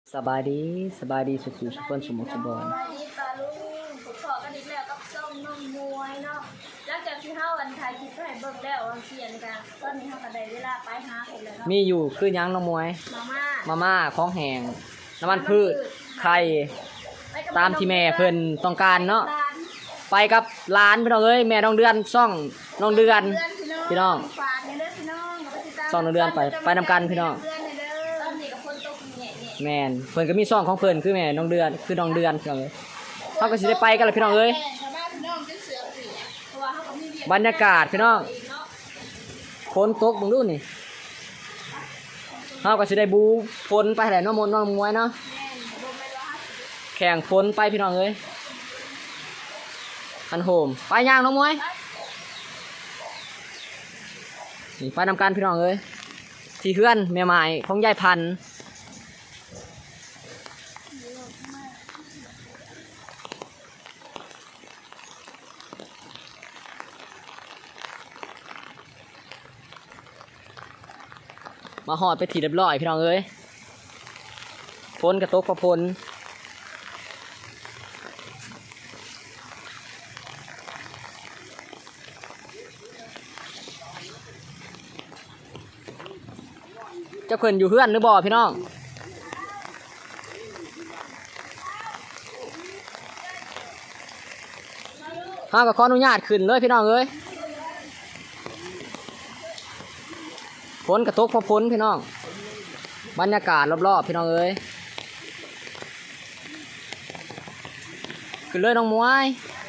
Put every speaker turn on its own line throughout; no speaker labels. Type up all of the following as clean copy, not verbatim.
สบายดีสุขสุขคนสมบูรณ์สมบูรณ์
สบายดีปลาลุงผมขอกันอีกแล้วกับส้มนมมวยเนาะหลังจากที่เฮาวันไทยคิดให้เบิ่งแล้ววันเสียนกันตอนนี้เฮาก็ได้เวลาไปหาเพิ่นแล้วเนาะ
มีอยู่คือยังน้องมวย
มา
มาม่าของแห้งน้ำมันพืชไข่ตามที่แม่เพิ่นต้องการเนาะไปกับร้านพี่น้องเอ้ยแม่น้องเดือนซ่องน้องเดือนพี่น้อง
ฝากเด้อพี่น้องกับติดตาม
ซ่องน้องเดือนไปนำกันพี่น้อง
ตอนนี้กับคนตกแง่ๆ
แม่นเพิ่นก็มีซ่องของเพิ่นคือแม่น้องเดือนคือน้องเดือนพี่น้องเอ้ยเฮาก็สิได้ไปกันล่ะพี่น้องเอ้ยบรรยากาศพี่น้องฝนตกเบิ่งดูนี่เฮาก็สิได้บูฝนไปแหละน้องมนต์น้องมวยเนาะแข่งฝนไปพี่น้องเอ้ยอันโหมไปย่างน้องมวยนี่ไปนำกันพี่น้องเอ้ยที่เฮือนแม่ไม้ของยายพันธุ์มาหอดไปถีเรียบร้อยพี่น้องเอ้ยฝนกระตกกระพลเจ้าเพิ่นอยู่เฮือนหรือบ่พี่น้องข้าก็ขออนุญาตขึ้นเลยพี่น้องเอ้ยฝนกระตกพอฝนพี่น้องบรรยากาศรอบๆพี่น้องเอ้ยขึ้นเลยน้องมวย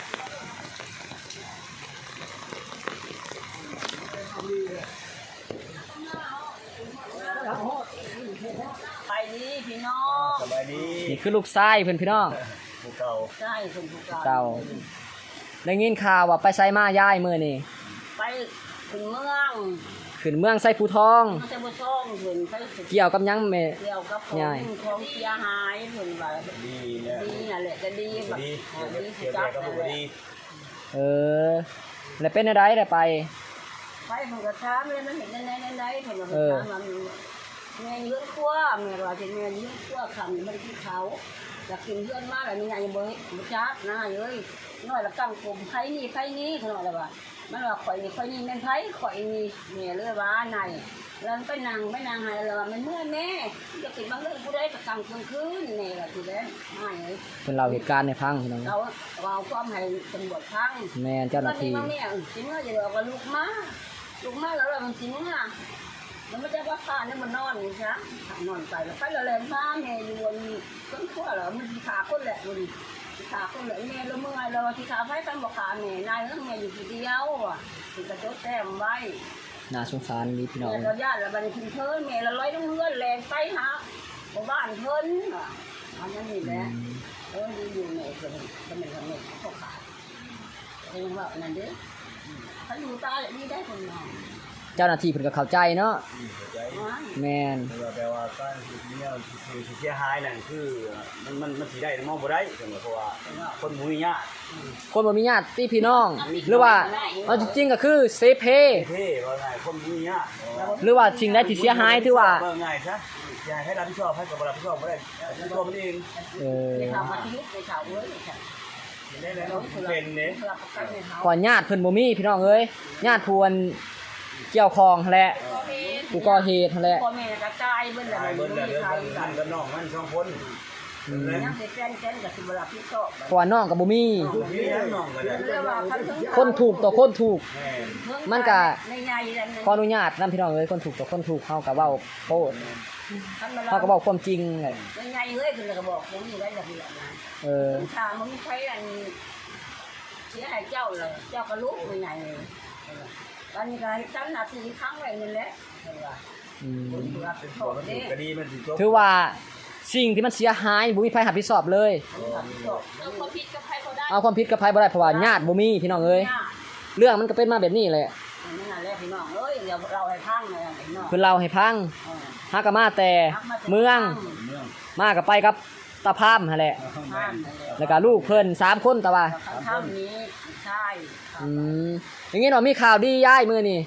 ไปนี่พี่น้อง
สบายดี
นี่คือลูกชายเพิ่นพี่น้อง
ผู้เก่า
ใช่คนผู้
เก่าได้ยินข่าวว่าไปไสมาย้ายมื้อนี่
ไปถึงเมือง
ขึ้นเมืองไสภูทอง
มันจะบ่ซ่องเพิ่นไป
เกี่ยวกับหยังแม่
เกี่ยวกับของเสียหายเพิ่นว่า
ดีเนี่ย
ดีนั่นแหละจะดีแบบ
ดี
ดี
เกี่
สิ
ยว
จั
กั
บบ
กับ
นั่น
ผู้
แหละ
ดี
เออแล้วเป็นอะไรได้ไป
ไปเพิ่นก็ถามเลยมันเห็นในเพิ่นก็ถามว่าแม่ยืนครัวแม่ว่าสิแม่ยืนครัวคำมันกินเขาอยากกินเพื่อนมาแล้วนี่ไงบ่จักนะเอ้ยน้อยละกังกลมไผนี่เพิ่นว่าแล้วว่ามันว่าข่อยนี่แม่นไผข่อยนี่แม่เลยว่าไหนแล้วไปนั่งให้แล้วมันเมื่อยแม่จะกินบางเรื่องผู้ใดก็กังคืนแม่ว่าสิแล้วไม่เอ้ย
เพิ่นเล่าเหตุการณ์ให้ฟังพี่น้อง
เราเอาความให้ตำรวจฟัง
แม่เจ้าหน้าที่
ตอนนี้สิเมื่อจะบอกว่าลูกมาแล้วมันสิเมื่อแล้วมันจะว่าข้าเนี่ยมันนอนนี่ใช่นอนไปแล้วไปแล้วแรงมาแม่อยู่บนต้นขั้วเหรอมันขาคนแหละมันขาคนแหละแม่แล้วเมื่อไงเราที่ขาไฟกันบอกขาแม่นายแม่อยู่ทีเดียวอ่ะถึงกระจกแต้มไว้
น่าสงสารนี่พี่น้อง
แม่เราญาติเราบันทึกเพิ่นแม่เราลอยต้องเลื่อนแรงไปหาบ้านเพิ่นอันนั้นนี่แหละดีอยู่แม่เพิ่นก็ไม่ทำแม่เขาขาดเองว่านั่นเด้ถ้าอยู่ตาดีได้คนนอน
เจ้าหน้าที่เพิ่นก็เข้าใจเนาะแม่น
แปลว่าการเนี่ยคือเสียหายนั่นคือมันสิได้มองบ่ได้เพราะว่าคนมุ้ยเนี่ย
คนบ่มีญาติพี่น้อง หรือว่าเอาจริงๆก็คือเซเพ
เท่ว่าไงคนมุ้ยเนี่ย
หรือว่าสิ่งใดที่เสียหายถือว่า
ว่าไงซะอยากให้รับผิดชอบให้กับรับผิดชอบบ่ได้ตัวมันเอง
เออ
ในข่าวมาที่ในข่าวเว้ยค่ะ
ได้แล้วเป็นเด้
ก่อนญาติเพิ่นบ่มีพี่น้องเอ้ยญาติพวนเกี่ยวข้องแหละผู้ก่อเหตุแหละ
พ่อแม่กระจายเบิ่นแหละ
ตาย
มั
เบิ่
น
น
มี
แล้ว
ใคร
นั่นกับน้องมันสองคน
ยังสิแจ้นกับสิบ่รับผิดชอบ
เพราะว่าน้องก็บ่มี
มีน้องก็ได้
เรียกว่าคันถึง
คนถูกต่อคนถูก มันก็
ในใหญ่นั่น
ขออนุญาตนำพี่น้องเอ้ยคนถูกต่อคนถูกเฮาก็เว้าโพดเฮาก็เว้าความจริงแหละ
ในใหญ่เฮ้ยคือก็บอกผมอยู่ได้ระเบียบนะ
เออ
ทางมันมีใครอันเสียหายเจ้าเลยเจ้าก็รู้ในใหญ่เลยตอนนี้ก็ให้ตั้งหน้าที่ครั้งไว้นั่นแหละ
อืม
รับผิดช
บ
อ
อบ กมัน
เด้
ก็ดีมันสิจบ
ถือว่าสิ่งที่มันเสียหายบ่มีใครรับผิดชอบเลย
รับผิดชอบเอาความผิดกับใครเขาได้
เอาความผิดกับใครบ่ได้เพราะว่าญาติบ่มีพี่น้องเอ้ยเรื่องมันก็เป็นมาแบบนี้แหละ
นั่นแหละพี่น้องเอ้ยเดี๋ยวเราให้พังเลยพี่น้อง
เพิ่นเล่าให้ฟังหาก็มาแต่เมืองมาก็ไปกับตาพามหั่นแหละ
พังนั่นแหละ
แล้วก็ลูกเพิ่น3คนแต่ว่า
ข้าวนี้ใช่
อย่างงี้เนาะมีข่าวดีย้ายมื้อนี้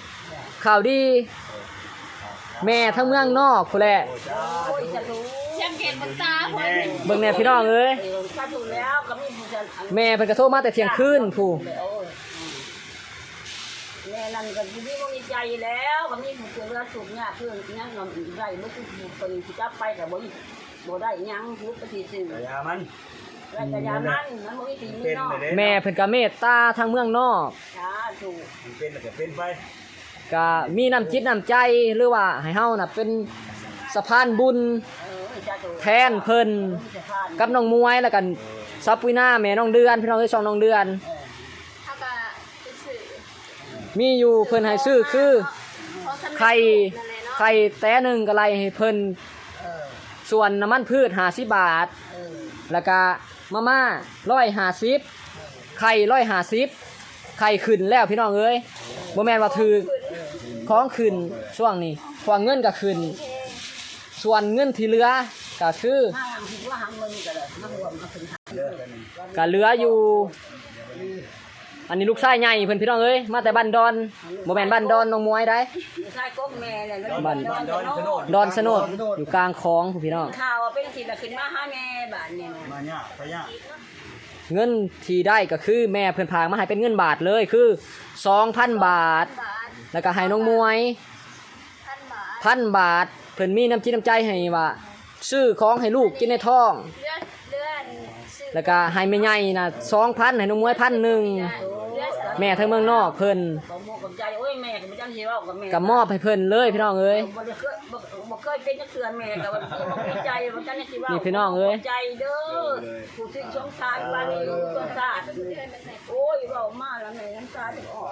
ข่าวดี แม่ทั้งเมืองนอกพุ่นแหละ
โอ้ยจะรู้
เชียงงเกตบนตาเพิ่น
เบิ่งแน่พี่น้องเอ้ย
ถ้าถูกแล้วก็มีผู้ชาย
แม่เพิ่นก็โทรมาแต่เที่ยงคืนผู้
แม่นั่นก็ที่นี่ก็มีใจแล้วก็มีผู้เจริญสุขเนี่ยเพื่อนยังนำได้เมื่อคือคนที่จับไปแต่บ่ได้ยังทุกทีสิ่ง
แต่ยามัน
แต่ยามันบ่มีตีมื
เป็
อน นอก
ไปเด้
แม่เพิ่นก็เมตตาทางเมืองนอก
จ้าถูก
มันเป็นแล้วก็เป็นไป
ก็มีน้ำจิตน้ำใจหรือว่าให้เฮาน่ะเป็นสะพานบุญ
จ้าถูก
แทนเพิ่นกับน้องมวยแล้วกันซับวินาแม่น้องเดือนพี่น้องเอ้ยช่องน้องเดือน
เฮาก็ซื้อ
มีอยู่เพิ่นให้ซื้อคือไข่ไข่แต้หนึงก็ไล่ให้เพิ่นส่วนน้ำมันพืช50 บาท แล้วก็มาม่า150ไข่150ไข่ขึ้นแล้วพี่น้องเอ้ยบ่แม่นว่าถือของขึ้นช่วงนี้เพราะว่าเงินก็ขึ้น ส่วนเงินที่เหลือก็คือ
ห้างคิดว่าหางเงินก็เลยมารวมก็เป็นหาง
เลิกกัน
ก็เหลืออยู่ อันนี้ลูกชายใหญ่เพิ่นพี่น้องเอ้ยมาแต่บ้านดอนบ่แม่นบ้านดอนน้องมวยได้
ใช่ก๊กแม่เลย
ดอนสนดอยู่กลางคลองพี่น้อง
ข่าวเป็นสิขึ้นมาหาแม่บ้านนี่
มาเนี่ยไปเนี่ย
เงินที่ได้ก็คือแม่เพิ่นพากมาให้เป็นเงินบาทเลยคือ 2,000 บาท
บาท
แล้วก็ให้น้องมวย
1,000 บาท
1,000 บาทเพิ่นมีน้ำจิตน้ำใจให้ว่าซื้อของให้ลูกกินในท้อง
เลือดซื้อ
แล้วก็ให้แม่ใหญ่น่ะ 2,000 ให้น้องมวย 1,000
เลือด
แม่ทั้งเมืองนอกเพิ่น
ก็โมกับใจโอ้ยแม่ก็บ่จังสิเว้ากับแม่
ก็มอบให้เพิ่นเลยพี่น้องเอ้ย
บ่เคยเป็นจักเทื่อแม่ก็บ่มีใจบ่จังสิเว้า
นี่พี่น้องเอ้ย
ใจเด้อผู้ที่สงสารบ้านนี้ลูกสงสารโอ้ยเว้ามาแล้วแม่น้ำตาจะออก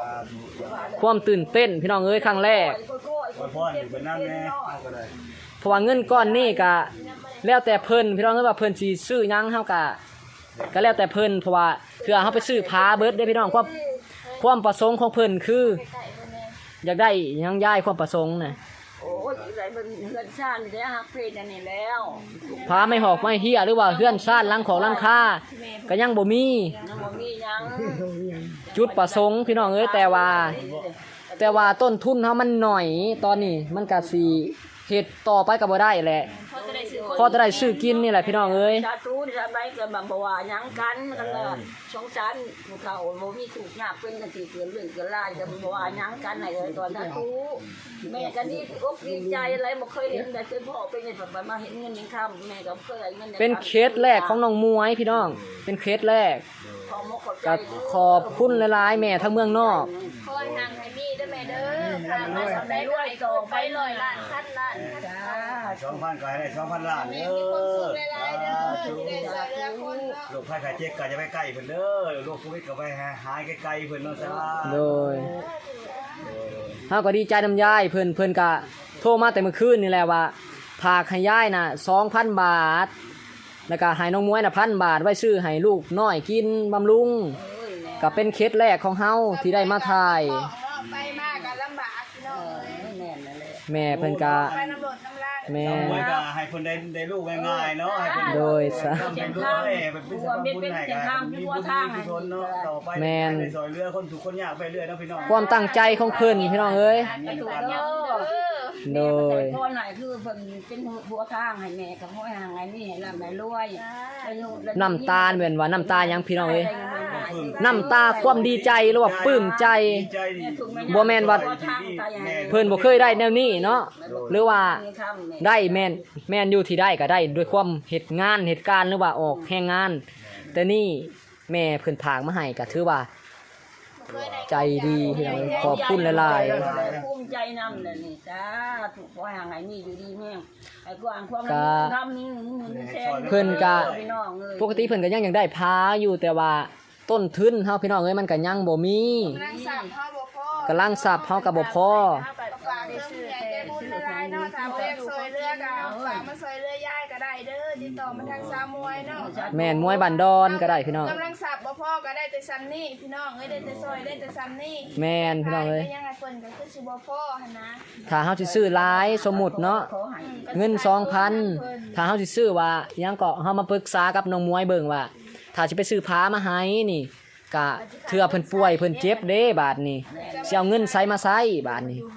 ความตื่นเต้นพี่น้องเอ้ยครั้งแรก
พ่ออยู่เป็นน้ำแน่เอาก็ได้
เพราะว่าเงินก้อนนี้ก็แล้วแต่เพิ่นพี่น้องเอ้ยว่าเพิ่นสิซื้อหยังเฮาก็แล้วแต่เพิ่นเพราะว่าเพื่อเฮาไปซื้อพาเบิดได้พี่น้องความประสงค์ของเพิ่นคือ อยากได้หยังย้ายความประสงค์น่ะ
โอ้ยอะไรมันเฮือนชาตินี่แหละฮักเพลงอันนี้แล้ว
พาไม่หอกไม่เหี้ยหรือว่าเฮือนซ่านหลังของหลังคาก็ยังบ่มี
ยังบ่มีหยัง
จุดประสงค์พี่น้องเอ้ยแต่ว่าต้นทุนเฮามันหน่อยตอนนี้มันก็สิเฮ็ดต่อไปก็บ่ได้แหละ
เขาจะได้ซื้อ
พอจะได้ซื้อกินนี่แหละพี่น้องเอ้ย
ชาตูนี่ทำไมก็บ่ว่าหยังกันเลยสงสารผู้เฒ่าบ่มีถูกยากเป็นกันสิเกิดเรื่องเกิดรายก็บ่ว่าหยังกันให้เลยตอนชาตูแม่ก็ดีอกดีใจอะไรบ่เคยเห็นแต่เคยพ่อเป็นแบบมาเห็นเงินยังค่ำแม่ก็เคยเงิน
เป็นเคสแรกของน้องมวยพี่น้อง เป็นเคสแรก
ขอมขอบใจ
ก็ขอบคุณหลายๆแม่ทั้งเมืองนอก
คอยนางให้มีเด้อแม่เด้อพามาสำได้ด้วยโตไป100 ล้านพันล้าน
จ้า
2,000ก็ให้ได้2,000 ล้าน
แม่
เด้
มีความสุข
อ
หลายๆเด้อที่ได้ช่วยเหลือคนเนาะ
โรคภัยไข้เจ็บก็จะไปใกล้เพิ่นเด้อโรคโควิดก็ไปหายไกลๆเพิ่นเนาะจ้า
โดยเฮาก็ดีใจนำยายเพิ่นก็โทรมาแต่เมื่อคืนนี่แหละว่าพากให้ยายน่ะ 2,000 บาท แล้วก็ให้น้องมวยน่ะ1,000 บาทไว้ซื้อให้ลูกน้อยกินบำรุงก็เป็นเคสแรกของเฮาที่ได้มาถ่าย
ของเนาะไปมากก็ลำบากพี่น้องเอ้ย
แม่นั่นแหละ
แม่เพิ่นก็
ไปน้ำรถน้ำลาย
แม่
เอาไว้ก็ให้เพิ่นได้ลูกง่ายๆเนาะให้เพิ่น
โดยซะ
เป็นลูกให้เป็นสมบุญให้กันมีบุญมีกุศลเนาะต่อไปได้ซอยเรือคนทุกคนยากไปเรื่อยเนาะพี่น้อง
ความตั้งใจของเพิ่นพี่น้องเอ้ย
ก็ถูกเด้อ
โดย
พ่อไหนคือเพิ่นเป็นหัวทางให้แม่กับห้อยหางไงนี่ให้ร่ำให้รวย
น้ำตาเหมือนว่าน้ำตายังพี่น้องเอ้ยน้ำตาความดีใจหรือว่าปลื้มใจ
ใจดี
บ่แม่นว่า เพิ่นบ่เคยได้แนวนี้เนาะหรือว่าได้แม่นอยู่ที่ได้ก็ได้ด้วยความเฮ็ดงานเหตุการณ์หรือว่าออกแรงงาน แต่นี่แม่เพิ่นพากมาให้ก็ถือว่าใจดีพี่น้องขอบคุณหลาย
ภูมิใจนำเลยนี่จ้าถูกห้อยหางไงนี่อยู่ดีแม่ไอ้กวางความทำนี่แทน
ๆเพิ่นก็
พี่น้องเอ้ย
ปกติเพิ่นก็ยังอยากได้พาอยู่แต่ว่าต้นทุนเฮาพี่น้องเอ้ยมันก็ยังบ่มี
นางสับเฮาบ่พอก
ำลังทรัพย์เฮาก็บ่พอ
ฝากเรื่องใหญ่ใจบุญหลายๆเนาะถ้าบ่อยากช่วยเหลือก็ฝากมาช่วยเหลือยายก็ได้เด้อติดต่อมาทางสาวมวยเนาะ
แม่นมวยบันดอนก็ได้พี่น้อง
กำลังสับบ่พอก็ได้แต่ซ้ำนี่พี่น้องเอ้ยได้แต่ซอยได้แต่ซ้ำนี่
แม่นพี่น้องเอ้ย
ยังไงเพิ่นก็คือสิบ่พอหั่นนะ
ถ้าเฮาสิซื้อหลายสมมุติเนาะเงิน 2,000 ถ้าเฮาสิซื้อว่าอิหยังก็เฮามาปรึกษากับน้องมวยเบิ่งว่าถ้าสิไปซื้อผ้ามาให้นี่ก็เทื่อเพิ่นป่วยเพิ่นเจ็บเด้บาดนี้สิเอาเงินใส่มาใส่บาดนี้
อยู่ผู้เดียว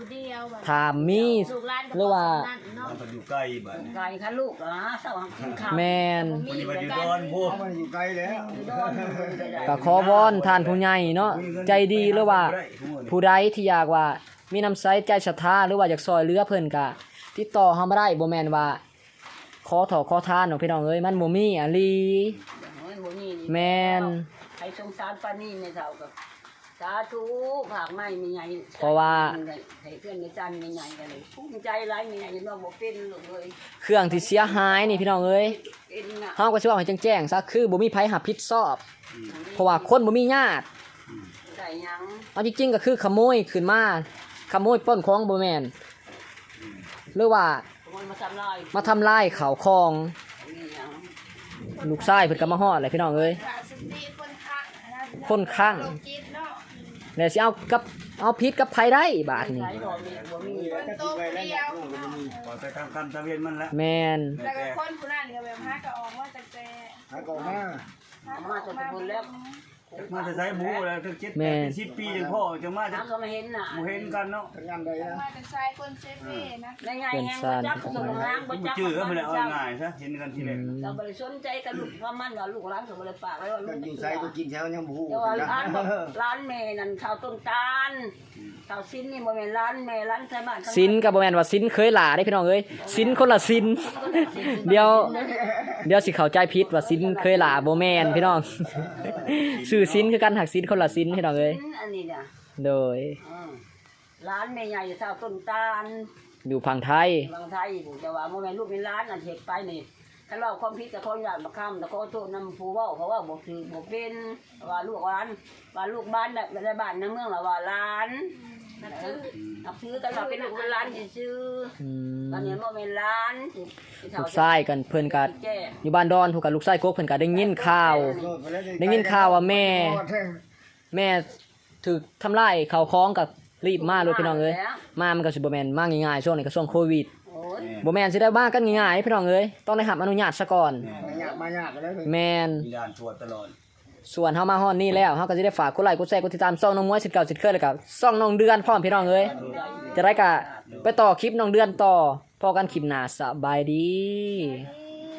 บัด
ถามมี
ลูกหลานก็
หรือว่า
นั่นเนาะ
มันก็อยู่ใกล้บ้าน
ไก่ค่ะลูกเหรอเศร้ากินข้าว
แม่น
วันนี้มาอยู่ดอนพวก
มันอยู่ไกลแล้ว
โดนเลยได้
ก็ขอวอนท่านผู้ใหญ่เนาะใจดีหรือว่า ผู้ใดที่อยากว่ามีน้ำใสใจศรัทธาหรือว่าอยากซอยเหลือเพิ่นก็ติดต่อเฮามาได้บ่แม่นว่าขอถอขอทานเนาะพี่น้องเอ้ยมันบ่มีอะลี
โอ้ยบ่มีนี่
แม่น
ใครสงสารปานนี้ในเท่ากับสาธุผากไม้มีใหญ่
เพราะว่า
ให้เพื่อนในจันมีใหญ่กันเลยภูมิใจหลายมีใหญ่เนาะบ่เป็นลูกเลย
เครื่องที่เสียหายนี่พี่น้องเอ้ย
เป็นน่ะ
เฮาก็สิว่าให้แจ้งๆซะคือบ่มีไผรับผิดชอบ เพราะว่าคนบ่มีญาติ
ได้หยัง
เอาจริงๆก็คือขโมยขึ้นมาขโมยปล้นของบ่แม่นหรือว่า
ขโมยมาทำลาย
มาทำลายข้าวของ
มีหยัง
ลูกชายเพิ่นก็มาฮอดเลยพี่น้องเอ้ย
ขาดสติคนข้างนะ
คนข้าง
โรคจิตเนาะ
แล้วสิเอาผิดกับไผได้บาดนี้
ใช้ดอกนี่บ่มี
คนโตเดียว
พอไปทำกรรมตะเวนมันละ
แม่น
แล้วก็คนผู้นั้นก็แบบหาก็ออกมาตั้งแต่
หาก่อนมา
มาจากบนแล้ว
มาจะใช้หมูแล้วถึง7-10 ปีจังพ่อจังมาจะ
น้ำก็ไม่เห็นน่ะ
หมูเห็นกันเนาะ
ทำงานใดนะ
มาแต่ชายคนเซฟเว่นะ
ได้ไงแฮงบ่จับส่งล้างบ่จับ
ชื่อก็ไม่ได้เอาง่ายซะเห็นกันทีแรก
เราบ่ได้สนใจกับลูกว่ามันว่าลูกหลานก็บ่ได้ปากไว้ว่าลู
ก็
ก
อยู่ใส่ก็กินเช้ายังบู
แต่ว่าร้านบอกร้านแม่นั่นชาวต้นตาลชาวซินนี่บ่แม่นร้านแม่ร้านไทยบ้าน
สินก็บ่แม่นว่าสินเคยหลาได้พี่น้องเอ้ยสินคนละสินเดี๋ยวสิเข้าใจผิดว่าสินเคยหลาบ่แม่นพี่น้องชื่อสินคือกันหักสินคนละสินพี่น้องเอ้ย
อันนี้น่ะ
โดย
ร้านแม่ใหญ่ชาวต้นตาล
อยู่ฝั่งไทย
บางไทยแต่ว่าบ่แม่นลูกเป็นร้านอันเฮ็ดไปนี่ถ้าเราความผิดก็ขออนุญาตมาค้ำแต่ขอโทษนำผู้เว้าเพราะว่าบ่คือบ่เป็นว่าลูกร้านว่าลูกบ้านแบบในบ้านในเมืองล่ะว่าร้านนับถือกันว่าเป็นลูกเป็นร้านซื่อ
อืม
ตอนนี้บ่แม่นร้าน
ลูกชายกันเพิ่นก็อยู่บ้านดอนถูกกับลูกชายกกเพิ่นก็ได้ยินข่าว ได้ยินข่าวว่าแม่ถูกทำลายข้าวของกับรีบมาเลยพี่น้องเอ้ยมามันก็สิบ่แม่นมาง่ายๆช่วงนี้ก็ช่วงโควิด
โอ้ย
บ่แม่นสิได้มากันง่ายๆพี่น้องเอ้ยต้องได้รับอนุญาตซะก่อน
มายากเลย
แม่น
มีด่านตรวจตลอด
ส่วนเฮามาฮอดนี่แล้วเฮาก็สิได้ฝากกดไลค์กดแชร์กดติดตามช่องน้องมวยสิทธิ์เก่าสิทธิ์เคยแล้วก็ช่องน้องเดือนพร้อมพี่น้องเอ้ยจะได้ก็ไปต่อคลิปน้องเดือนต่อพอกันคลิปหน้าสบายดี
นี่